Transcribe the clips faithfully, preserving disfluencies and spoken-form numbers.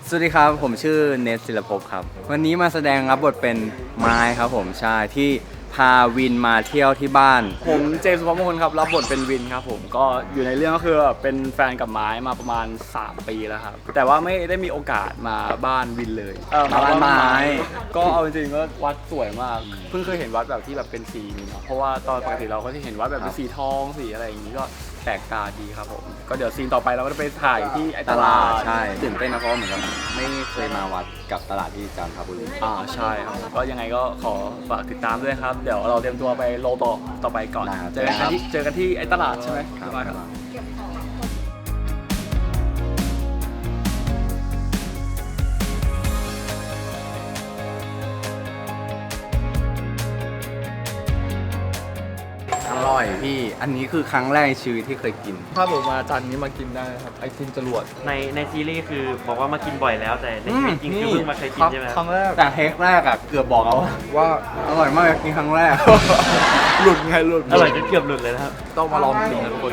สวัสดีครับผมชื่อเนทศิลภพครับวันนี้มาแสดงรับบทเป็นไม้ครับผมใช่ที่พาวินมาเที่ยวที่บ้านผมเจมส์สุภมงคลครับรับบทเป็นวินครับผมก็อยู่ในเรื่องก็คือเป็นแฟนกับไม้มาประมาณสามปีแล้วครับแต่ว่าไม่ได้มีโอกาสมาบ้านวินเลยเออมาบ้านไม้ก็เอาจริงๆก็วัดสวยมากเพิ่งเคยเห็นวัดแบบที่แบบเป็นสีนี้เนาะเพราะว่าตอนปกติเราก็จะเห็นวัดแบบเป็นสีทองสีอะไรอย่างนี้ก็แปลกตาดีครับผมก็เดี๋ยวซีนต่อไปเราก็จะไปถ่ายที่ไอ้ตลาดใช่ตื่นเต้นนะเพราะเหมือนกับไม่เคยมาวัดกับตลาดที่จันทบุรีอ่าใช่ครับก็ยังไงก็ขอฝากติดตามด้วยครับเดี๋ยวเราเตรียมตัวไปโลต่อต่อไปก่อนเจอกันที่เจอกันที่ไอ้ตลาดใช่ไหมครับอร่อยพี่อันนี้คือครั้งแรกในชีวิตที่เคยกินถ้าผมมาจันนี้มากินได้ครับไอติมจรวดในในซีรีส์คือบอกว่ามากินบ่อยแล้วแต่ในชีวิตจริงคือเพิ่งมาเคยกินใช่ไหมครั้งแรกแต่เทคแรกอะเกือบบอกแล้วว่าอร่อยมากกินครั้งแรกหลุดไงหลุดอร่อยจนเกือบหลุดเลยนะครับต้องมาลองกินนะทุกคน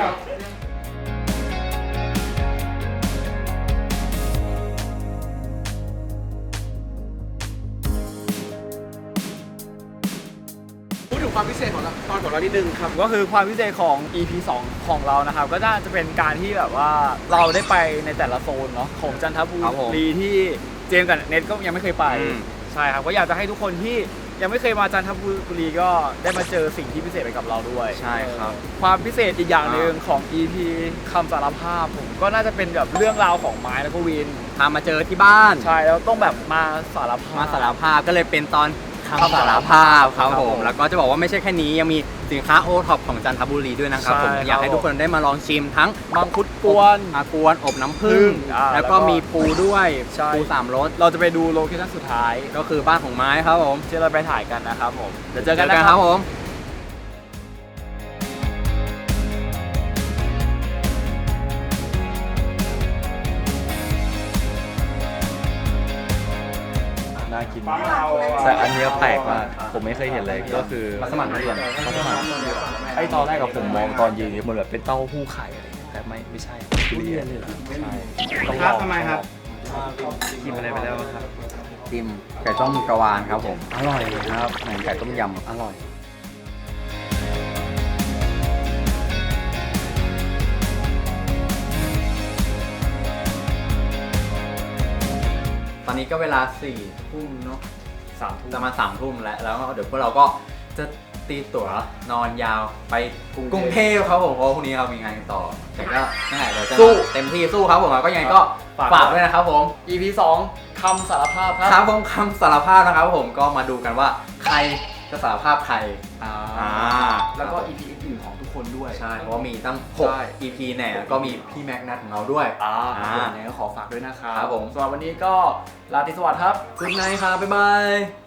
พูดถึงความพิเศษของตอนของเรานิดนึงครับก็คือความพิเศษของ อี พี สองของเรานะครับก็น่าจะเป็นการที่แบบว่าเราได้ไปในแต่ละโซนเนาะของจันทบุรีที่เจมส์กับเน็ตก็ยังไม่เคยไปใช่ครับก็อยากจะให้ทุกคนที่ยังไม่เคยมาจันทบุรีก็ได้มาเจอสิ่งที่พิเศษไปกับเราด้วยใช่ครับความพิเศษอีกอย่างหนึ่งของ อี พี คำสารภาพผมก็น่าจะเป็นแบบเรื่องราวของไม้แล้วก็วินพามาเจอที่บ้านใช่แล้วต้องแบบมาสารภาพมาสารภาพก็เลยเป็นตอนคำสารภาพครับผมแล้วก็จะบอกว่าไม่ใช่แค่นี้ยังมีสินค้าโอท็อปของจันทบุรีด้วยนะครับผมอยากให้ทุกคนได้มาลองชิมทั้งมังคุดกวนอากวนอบน้ำผึ้งแล้วก็มีปูด้วยปูสามรสเราจะไปดูโลเคชั่นสุดท้ายก็คือบ้านของไม้ครับผมที่เราไปถ่ายกันนะครับผมเดี๋ยวเจอกันนะครับผมน่ากินแต่อันนี้แปลกมากผมไม่เคยเห็นเลยก็คือมัสมั่นทุเรียนมัสมั่นไอตอนแรกกับผมมองตอนยืนมันแบบเป็นเต้าหู้ไข่อะไรแต่ไม่ไม่ใช่ทุเรียนเลยใช่ต้องลองทำไมครับกินอะไรไปแล้วครับจิ้มไก่ต้มกระวานครับผมอร่อยครับเหมือนไก่ต้มยำอร่อยตอนนี้ก็เวลาสี่ทุ่มเนาะสามทุ่มจะมาสามทุ่มแล้วแล้วเดี๋ยวพวกเราก็จะตีตั๋วนอนยาวไปกรุงเทพครับผมเพราะพรุ่งนี้เรามีงานต่อแต่ก็นั่นแหละเราจะสู้เต็มที่สู้ครับผมก็ยังไงก็ฝากด้วยนะครับผมอี พี สองคำสารภาพครับครับผมคำสารภาพนะครับผมก็มาดูกันว่าใครจะสารภาพใครอ่าแล้วก็ อี พี อื่นของทุกคนด้วยใช่เพราะว่ามีตั้งหก อี พี แน่แล้วก็มีพี่แม็กนัทของเราด้วยอ่าอย่างนี้ก็ขอฝากด้วยนะครับผมสำหรับวันนี้ก็ลาติสวัสดิ์ครับคุณนายครับบ๊ายบาย